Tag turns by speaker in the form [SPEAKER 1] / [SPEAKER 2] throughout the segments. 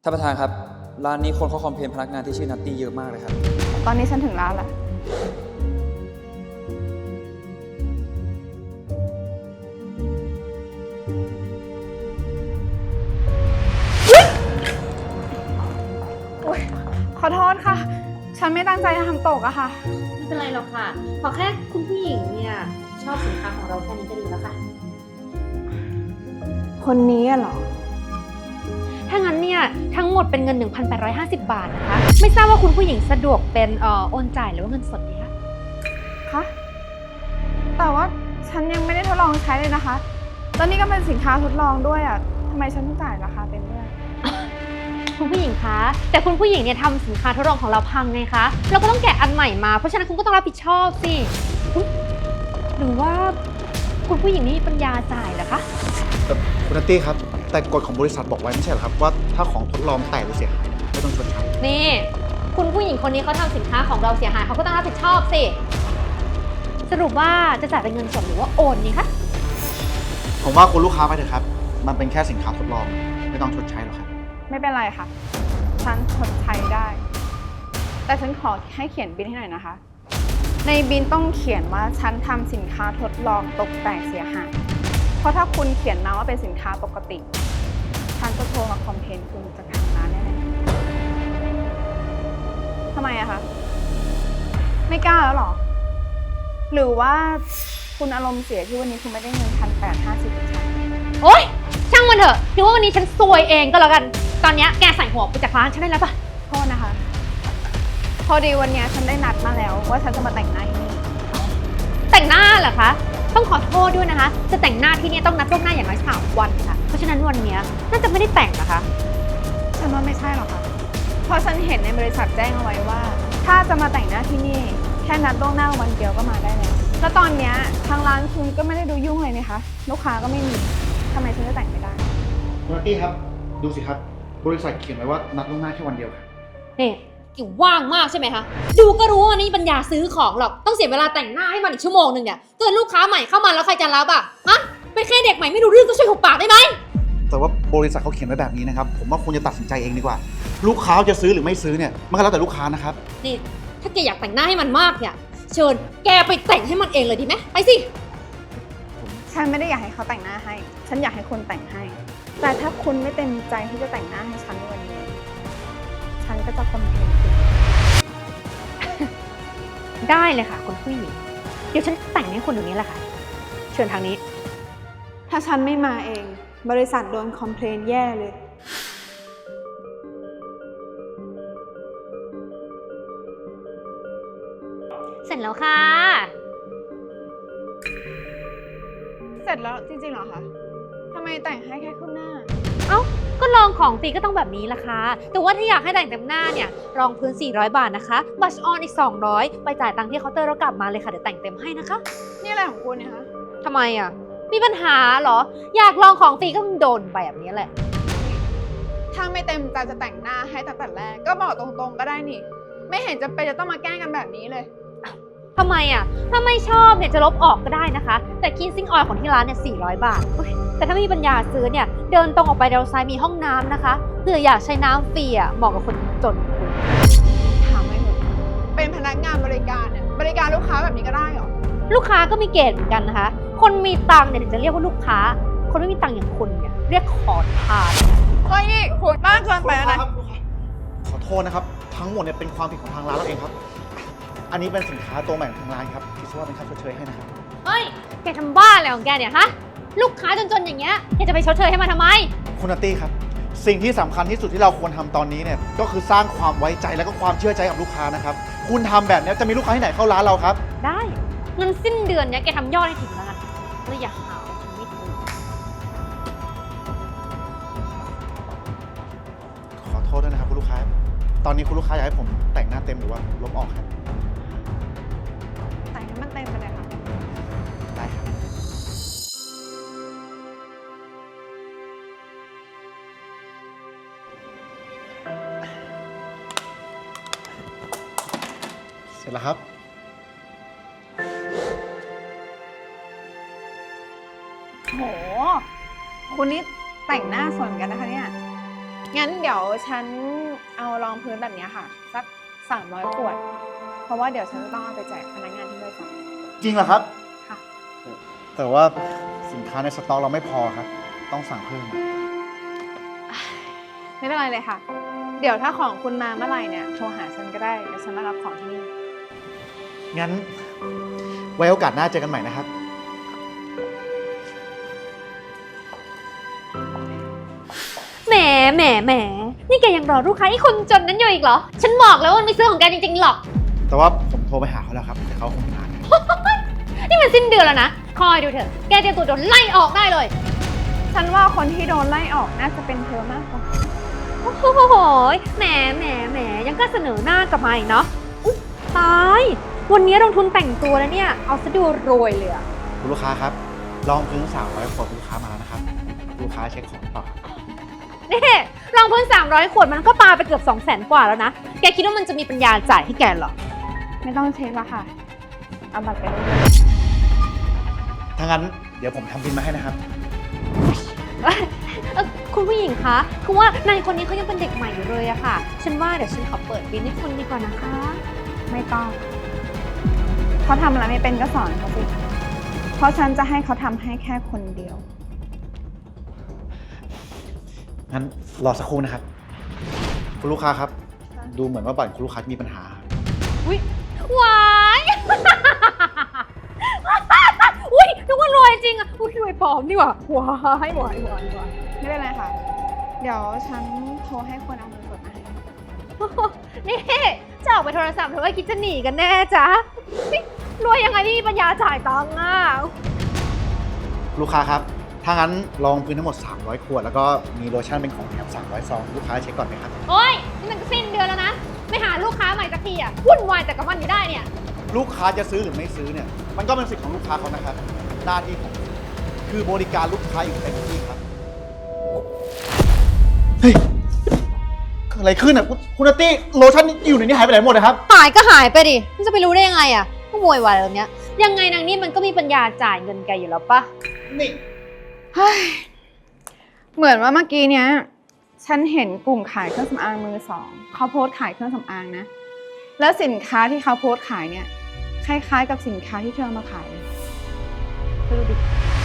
[SPEAKER 1] ท่านประธานครับร้านนี้คนเขาคอมเพลนพนักงานที่ชื่อนัตตี้เยอะมากเลยครับ
[SPEAKER 2] ตอนนี้ฉันถึงร้านแล้วขอโทษค่ะ ฉันไม่ตั้งใจจะทำตกอะค่ะ
[SPEAKER 3] ไม่เป็นไรหรอกค่ะขอแค่คุณผู้หญิงเนี่ยชอบสินค้าของเราแค่นี้ก็ดีแล้วค่ะ
[SPEAKER 2] คนนี้เหรอ
[SPEAKER 3] ถ้างั้นเนี่ยทั้งหมดเป็นเงิน 1,850 บาทนะคะ ไม่ทราบว่าคุณผู้หญิงสะดวกเป็นโอนจ่ายหรือว่าเงินสดดีคะ
[SPEAKER 2] คะแต่ว่าฉันยังไม่ได้ทดลองใช้เลยนะคะแล้วนี่ก็เป็นสินค้าทดลองด้วยอะทำไมฉันต้องจ่ายราคาเต็มด้วย
[SPEAKER 3] คุณผู้หญิงคะแต่คุณผู้หญิงเนี่ยทำสินค้าทดลองของเราพังไงคะเราก็ต้องแกะอันใหม่มาเพราะฉะนั้นคุณก็ต้องรับผิดชอบสิอุ๊ยหรือว่าคุณผู้หญิงนี่มีปัญญาจ่ายเหรอคะ
[SPEAKER 4] คุณนัตตี้ครับแต่กฎของบริษัทบอกไว้ไม่ใช่เหรอครับว่าถ้าของทดลองแตกหรือเสียหายไม่ต้องชดใช้
[SPEAKER 3] นี่คุณผู้หญิงคนนี้เขาทำสินค้าของเราเสียหายเขาก็ต้องรับผิดชอบสิสรุปว่าจะจ่ายเป็นเงินสดหรือว่าโอนนี่คะ
[SPEAKER 4] ผมว่าคุณลูกค้าไปเถอะครับมันเป็นแค่สินค้าทดลองไม่ต้องชดใช้หรอกครับ
[SPEAKER 2] ไม่เป็นไรค่ะ ฉันชดใช้ได้ แต่ฉันขอให้เขียนบิลให้หน่อยนะคะ ในบิลต้องเขียนว่าฉันทำสินค้าทดลองตกแต่งเสียหาย เพราะถ้าคุณเขียนมาว่าเป็นสินค้าปกติ ฉันจะโทรมาคอมเพลนคุณจากทางร้านแน่ๆทำไมอะคะ ไม่กล้าแล้วหรอ หรือว่าคุณอารมณ์เสียที่วันนี้คุณไม่ได้เงิน1,850จากฉัน
[SPEAKER 3] โอ๊ยช่างมันเถอะถือว่าวันนี้ฉันซวยเองก็แล้วกัน ตอนนี้แกใส่หัวไปจากร้านฉันได้แล้วปะ
[SPEAKER 2] โทษนะคะ พอดีวันนี้ฉันได้นัดมาแล้วว่าฉันจะมาแต่งหน้าที่นี่
[SPEAKER 3] แต่งหน้าเหรอคะ ต้องขอโทษด้วยนะคะ จะแต่งหน้าที่เนี่ยต้องนัดล่วงหน้าอย่างน้อย3 วันค่ะ เพราะฉะนั้นวันนี้น่าจะไม่ได้แต่งนะคะ
[SPEAKER 2] ฉันว่าไม่ใช่หรอกค่ะ เพราะฉันเห็นในบริษัทแจ้งเอาไว้ว่า ถ้าจะมาแต่งหน้าที่นี่ แค่นัดล่วงหน้าวันเดียวก็มาได้แล้ว แล้วตอนเนี้ยทางร้านคุณก็ไม่ได้ดูยุ่งเลยนะคะ ลูกค้าก็ไม่มีทำไมฉันจะแต่งไม่ได้
[SPEAKER 4] คุณนัตตี้ครับดูสิครับบริษัทเขียนไว้ว่านัดล่วงหน้าแค่วันเดียวครับ
[SPEAKER 3] นี่กิ่วว่างมากใช่ไหมคะ ดูก็รู้ว่าวันนี้ปัญญาซื้อของหรอก ต้องเสียเวลาแต่งหน้าให้มันอีกชั่วโมงหนึ่งเนี่ยเกิดลูกค้าใหม่เข้ามาแล้วใครจะรับอ่ะ ฮะ เป็นแค่เด็กใหม่ไม่รู้เรื่องก็ช่วยหุบปากได้ไหม
[SPEAKER 4] แต่ว่าบริษัทเขาเขียนไว้แบบนี้นะครับผมว่าคุณจะตัดสินใจเองดีกว่า ลูกค้าจะซื้อหรือไม่ซื้อเนี่ยมันก็แล้วแต่ลูกค้านะครับ
[SPEAKER 3] นี่ถ้าแกอยากแต่งหน้าให้มันมากเนี่ยเชิญแกไปแต่งให้มันเองเลยดีไหมไปสิ
[SPEAKER 2] ฉันไม่ได้อยากให้เขาแต่งหน้าให้ ฉันอยากให้คุณแต่งให้ แต่ถ้าคุณไม่เต็มใจที่จะแต่งหน้าให้ฉันในวันนี้ ฉันก็จะคอมเพลนคุณ
[SPEAKER 3] ได้เลยค่ะคุณผู้หญิง เดี๋ยวฉันแต่งให้คุณเดี๋ยวนี้แหละค่ะ เชิญทางนี้
[SPEAKER 2] ถ้าฉันไม่มาเอง บริษัทโดนคอมเพลนแย่เลย
[SPEAKER 3] เสร็จแล้วค่ะ
[SPEAKER 2] เสร็จแล้วจริงๆเหรอคะทำไมแต่งให้แค่ครึ่งหน้า
[SPEAKER 3] เอ้า ก็ลองของฟรีก็ต้องแบบนี้ละค่ะ แต่ว่าถ้าอยากให้แต่งเต็มหน้าเนี่ย รองพื้น 400 บาทนะคะ บัชออนอีก 200 ไปจ่ายตังค์ที่เคาน์เตอร์แล้วกลับมาเลยค่ะ เดี๋ยวแต่งเต็มให้นะคะ
[SPEAKER 2] นี่อะไรของคุณเนี่ยคะ
[SPEAKER 3] ทำไมอ่ะ มีปัญหาเหรอ อยากลองของฟรีก็โดนไปแบบนี้แหละ
[SPEAKER 2] ถ้าไม่เต็มใจจะแต่งหน้าให้ตั้งแต่แรกก็บอกตรงๆก็ได้นี่ ไม่เห็นจะเป็นจะต้องมาแกล้งกันแบบนี้เลย
[SPEAKER 3] ทำไมอ่ะ ถ้าไม่ชอบเนี่ยจะลบออกก็ได้นะคะ แต่คินซิ่งออยล์ของที่ร้านเนี่ย 400 บาทอุ๊ยแต่ถ้าไม่มีปัญญาซื้อเนี่ย เดินตรงออกไปด้านซ้ายมีห้องน้ำนะคะเผื่ออยากใช้น้ำฟรีอ่ะเหมาะกับคนจนคุณ
[SPEAKER 2] ถามไม่หมดเป็นพนักงานบริการเนี่ยบริการลูกค้าแบบนี้ก็ได้เหรอ
[SPEAKER 3] ลูกค้าก็มีเกณฑ์เหมือนกันนะคะ คนมีตังค์เนี่ยถึงจะเรียกว่าลูกค้า คนไม่มีตังค์อย่างคุณเนี่ยเรียกขอทาน
[SPEAKER 2] เฮ้ยนี่คุณบ้านเกินไปแล้วนะ
[SPEAKER 4] ขอโทษนะครับทั้งหมดเนี่ยเป็นความผิดของทางร้านเราเองครับอันนี้เป็นสินค้าตัวใหม่ของทางร้านครับคิดว่าเป็นค่าชดเชยให้นะครับ
[SPEAKER 3] เฮ้ย แกทำบ้าอะไรของแกเนี่ยฮะ ลูกค้าจนๆอย่างเงี้ย แกจะไปชดเชยให้มันทำไม
[SPEAKER 4] คุณนัตตี้ครับสิ่งที่สำคัญที่สุดที่เราควรทำตอนนี้เนี่ยก็คือสร้างความไว้ใจและก็ความเชื่อใจกับลูกค้านะครับคุณทำแบบนี้จะมีลูกค้าที่ไหนเข้าร้านเราครับ
[SPEAKER 3] ได้เงินสิ้นเดือนเนี้ยแกทำยอดให้ถึงแล้วกันแล้วอย่าหาว่าฉันไม่ถูก
[SPEAKER 4] ขอโทษด้วยนะครับคุณลูกค้า ตอนนี้คุณลูกค้าอยากให้ผมแต่งหน้าเต็มหรือว่าลบออกครับ
[SPEAKER 2] แต่งให้มันเต็มไปเลยค่ะ
[SPEAKER 4] ได้ครับเสร็จแล้วครับ
[SPEAKER 2] โห คุณนี่แต่งหน้าสวยเหมือนกันนะคะเนี่ยงั้นเดี๋ยวฉันเอารองพื้นแบบเนี้ยค่ะ สัก300 ขวด เพราะว่าเดี๋ยวฉันจะต้องเอาไปแจกพนักงานที่บริษัท
[SPEAKER 4] จริงเหรอครับ
[SPEAKER 2] ค่ะ
[SPEAKER 4] แต่ว่าสินค้าในสต็อกเราไม่พอครับ ต้องสั่งเพิ่ม
[SPEAKER 2] ไม่เป็นไรเลยค่ะ เดี๋ยวถ้าของคุณมาเมื่อไหร่เนี่ยโทรหาฉันก็ได้เดี๋ยวฉันมารับของที่นี่
[SPEAKER 4] งั้น ไว้โอกาสหน้าเจอกันใหม่นะครับ
[SPEAKER 3] แหมแหมแหมนี่แกยังรอลูกค้าไอ้คนจนนั้นอยู่อีกเหรอ ฉันบอกแล้วว่ามันไม่ซื้อของแกจริงๆหรอก
[SPEAKER 4] แต่ว่าผมโทรไปหาเขาแล้วครับ แต่เขาคงไม่อ่าน
[SPEAKER 3] นี่มันสิ้นเดือนแล้วนะ คอยดูเถอะ แกเตรียมตัวโดนไล่ออกได้เลย
[SPEAKER 2] ฉันว่าคนที่โดนไล่ออกน่าจะเป็นเธอมากกว่า
[SPEAKER 3] โอ้โหแหมแหมแหมยังก็เสนอหน้ากลับมาอีกเนาะอุ๊ยตาย วันนี้ลงทุนแต่งตัวแล้วเนี่ย เอาซะดูรวยเลยอะ
[SPEAKER 4] คุณลูกค้าครับ ลองพื้น300 ขวดคุณลูกค้ามาแล้วนะครับ ลูกค้าเช็คของต่อ
[SPEAKER 3] นี่รองพื้น300 ขวดมันก็ปาไปเกือบ200,000 กว่าแล้วนะ แกคิดว่ามันจะมีปัญญาจ่ายให้แกเหรอ
[SPEAKER 2] ไม่ต้องเช็คละค่ะ เอาบัตรไปเลย
[SPEAKER 4] ถ้างั้นเดี๋ยวผมทำบินมาให้นะครับ
[SPEAKER 3] คุณผู้หญิงคะคือว่านายคนนี้เขายังเป็นเด็กใหม่อยู่เลยอะค่ะ ฉันว่าเดี๋ยวฉันขอเปิดบินให้คุณดีกว่านะคะ
[SPEAKER 2] ไม่ต้อง เขาทำอะไรไม่เป็นก็สอนเขาสิ เพราะฉันจะให้เขาทำให้แค่คนเดียว
[SPEAKER 4] งั้นรอสักครู่นะครับ คุณลูกค้าครับ ดูเหมือนว่าบัตรคุณลูกค้ามีปัญหา
[SPEAKER 3] อุ้ยหวาย อุ้ยนึกว่ารวยจริงอะอุ้ยรวยปลอมนี่หว่าหวายหวายหวายหวาย
[SPEAKER 2] ไม่เป็นไรค่ะ เดี๋ยวฉันโทรให้คนเอาเงินสดมาให้
[SPEAKER 3] นี่จะออกไปโทรศัพท์หรือว่าคิดจะหนีกันแน่จ๊ะนี่รวยยังไงไม่มีปัญญาจ่ายตังค์อะ
[SPEAKER 4] ลูกค้าครับ ถ้างั้นลองพื้นทั้งหมด300 ขวด แล้วก็มีโลชั่นเป็นของแถม300 ซอง ลูกค้าเช็คก่อนไหมครับ
[SPEAKER 3] โอ้ยนี่มันก็สิ้นเดือนแล้วนะ ไม่หาลูกค้าใหม่สักทีอะวุ่นวายแต่กับมันอยู่ได้เนี่ย
[SPEAKER 4] ลูกค้าจะซื้อหรือไม่ซื้อเนี่ย มันก็เป็นสิทธิ์ของลูกค้าเขานะครับ หน้าที่ผมคือบริการลูกค้าอยู่เต็มที่ครับ เฮ้ยเกิดอะไรขึ้นอ่ะคุณนัตตี้โลชั่นอยู่ในนี้หายไปไหนหมดนะครับ
[SPEAKER 3] หายก็หายไปดิมันจะไปรู้ได้ยังไงอะก็โวยวายแบบเนี้ยยังไงนางนี่มันก็มีปัญญาจ่ายเงินแกอยู่แล้วปะ
[SPEAKER 4] นี่
[SPEAKER 2] เฮ้ย เหมือนว่าเมื่อกี้เนี้ย ฉันเห็นกลุ่มขายเครื่องสำอางมือสองเขาโพสต์ขายเครื่องสำอางนะ แล้วสินค้าที่เขาโพสต์ขายเนี่ย คล้ายๆกับสินค้าที่เธอเอามาขายเลยเธอดูดิ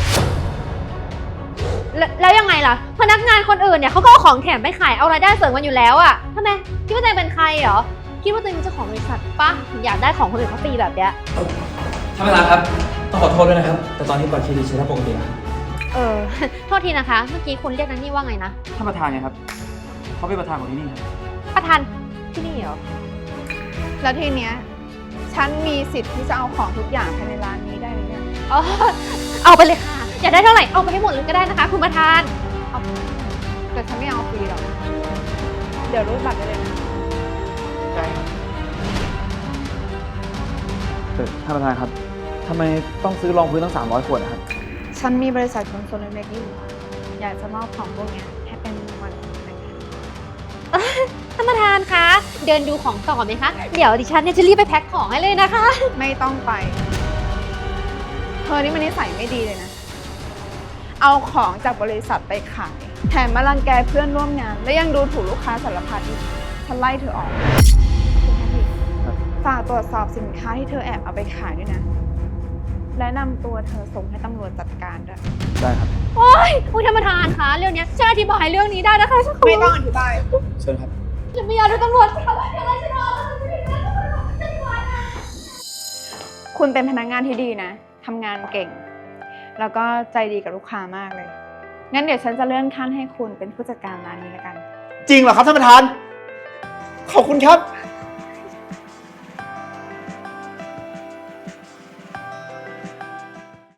[SPEAKER 3] แล้วยังไงล่ะ พนักงานคนอื่นเนี่ยเขาก็เอาของแถมไปขายเอารายได้เสริมกันอยู่แล้วอะทำไมคิดว่าตัวเองเป็นใครเหรอคิดว่าตัวเองเป็นเจ้าของบริษัทปะถึงอยากได้ของคนอื่นเขาฟรีแบบเนี้ย
[SPEAKER 1] ท่านประธานครับ ต้องขอโทษด้วยนะครับ แต่ตอนนี้บัตรเครดิตใช้ได้ปกติแล้ว
[SPEAKER 3] โทษทีนะคะ เมื่อกี้คุณเรียกนันนี่ว่าไงนะ
[SPEAKER 1] ท่านประธานไงครับ เขาเป็นประธานของที่นี่ครับ
[SPEAKER 3] ประธานที่นี่เหรอ
[SPEAKER 2] แล้วทีเนี้ย ฉันมีสิทธิ์ที่จะเอาของทุกอย่างภายในร้านนี้ได้เลยเนี่ย
[SPEAKER 3] อ๋อเอาไปเลยค่ะ อยากได้เท่าไหร่เอาไปให้หมดเลยก็ได้นะคะ คุณประธาน
[SPEAKER 2] แต่ฉันไม่เอาฟรีหรอก เดี๋ยวรูดบัตรได้เลยนะ
[SPEAKER 4] ใช่ครับ
[SPEAKER 1] ท่านประธานครับทำไมต้องซื้อรองพื้นตั้ง300 ขวดนะครับ
[SPEAKER 2] ฉันมีบริษัทขนส่งเล็กๆอยู่ อยากจะมอบของพวกเนี้ยให้เป็นรางวัลของพนักงาน
[SPEAKER 3] ท่านประธานคะ เดินดูของต่อไหมคะ เดี๋ยวดิฉันเนี่ยจะรีบไปแพ็คของให้เลยนะคะ
[SPEAKER 2] ไม่ต้องไป เธอนี่มันนิสัยไม่ดีเลยนะ เอาของจากบริษัทไปขาย แถมมารังแกเพื่อนร่วมงาน และยังดูถูกลูกค้าสารพัดอีก ฉันไล่เธอออกคุณแพทริก
[SPEAKER 1] ครับ
[SPEAKER 2] ฝากตรวจสอบสินค้าที่เธอแอบเอาไปขายด้วยนะ และนำตัวเธอส่งให้ตำรวจจัดการด้วย
[SPEAKER 1] ได้ครับ
[SPEAKER 3] โอ๊ยคุณท่านประธานคะเรื่องเนี้ยช่วยอธิบายเรื่องนี้ได้นะคะฉันข
[SPEAKER 2] ไม่ต้องอธิบาย
[SPEAKER 1] เชิญครับ
[SPEAKER 3] ฉันไม่อยากโดนตำรวจค่ะอย่าไล่ฉันออกฉันไม่ได้ฉันไม่ไหวนะ
[SPEAKER 2] คุณเป็นพนักงานที่ดีนะ ทำงานเก่ง แล้วก็ใจดีกับลูกค้ามากเลย งั้นเดี๋ยวฉันจะเลื่อนขั้นให้คุณเป็นผู้จัดการร้านนี้แล้วกัน
[SPEAKER 4] จริงเหรอครับท่านประธาน ขอบคุณครับ